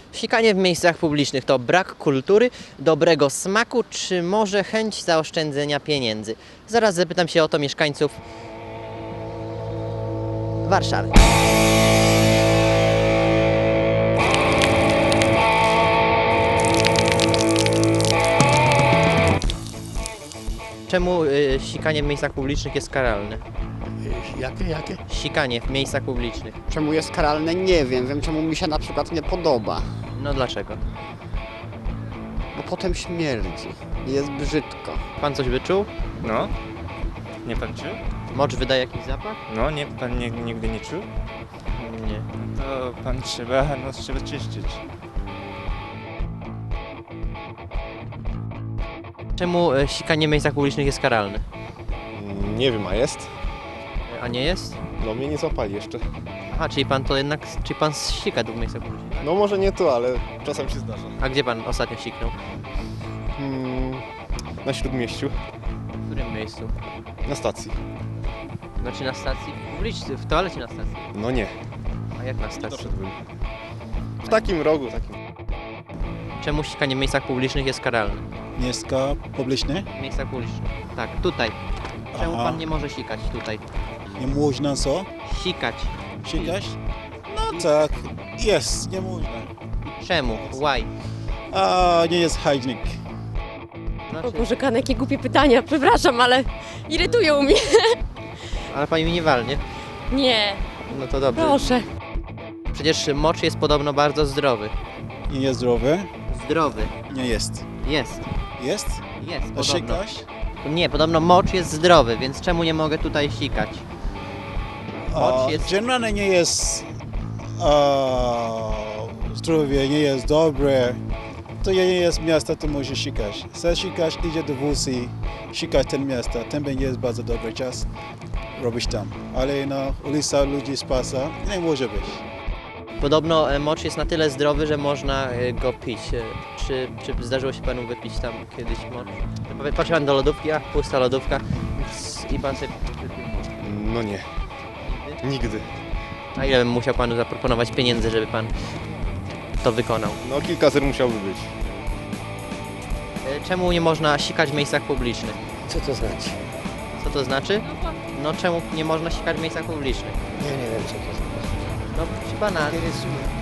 Sikanie w miejscach publicznych to brak kultury, dobrego smaku, czy może chęć zaoszczędzenia pieniędzy? Zaraz zapytam się o to mieszkańców Warszawy. Czemu sikanie w miejscach publicznych jest karalne? Jakie? Sikanie w miejscach publicznych. Czemu jest karalne? Nie wiem. Wiem, czemu mi się na przykład nie podoba. No dlaczego? Bo potem śmierdzi. Jest brzydko. Pan coś wyczuł? No. Nie pan czuł? Mocz wydaje jakiś zapach? No, nie, pan nigdy nie czuł? Nie. To pan trzeba czyścić. Czemu sikanie w miejscach publicznych jest karalne? Nie wiem, a jest? A nie jest? No mnie nie złapali jeszcze. Aha, czyli pan to jednak, czyli pan sika tu w miejscach publicznych. No może nie tu, ale czasem się zdarza. A gdzie pan ostatnio siknął? Na Śródmieściu, W którym miejscu? na stacji. Znaczy na stacji publicznej, w toalecie na stacji. No nie, A jak na stacji? doszedłbym. W takim rogu, takim. Czemu sikanie w miejscach publicznych jest karalne? Miejsca publiczne? W miejscach publicznych. Tak, tutaj. Czemu Aha. pan nie może sikać tutaj? Nie można co? Sikać. Sikać? No tak, jest, nie można. Czemu? Why? A nie jest hygienic. O Znaczy, Boże, Kan, jakie głupie pytania, przepraszam, ale irytują mnie. ale pani mi nie walnie. Nie, No to dobrze. proszę. Przecież mocz jest podobno bardzo zdrowy. Nie jest zdrowy? Zdrowy. Nie jest. Jest. Jest? Jest, A podobno. sikasz? Nie, podobno mocz jest zdrowy, więc czemu nie mogę tutaj sikać? Mocz jest... Generalnie nie jest zdrowie, nie jest dobre. To nie jest miasto, to może sikać. Chcesz sikać, idzie do wózki, sikać ten miasto. Tam jest bardzo dobry czas, robisz tam. Ale na ulicy ludzi spasa nie może być. Podobno mocz jest na tyle zdrowy, że można go pić. Czy zdarzyło się panu wypić tam kiedyś mocz? Patrzy pan do lodówki, a pusta lodówka i pan sobie wypił mocz. No nie, nigdy. A ile bym musiał panu zaproponować pieniędzy, żeby pan to wykonał? No kilka zer musiałby być. Czemu nie można sikać w miejscach publicznych? Co to znaczy? Co to znaczy? No czemu nie można sikać w miejscach publicznych? Ja nie wiem, co to znaczy. No proszę pana, Interesuje.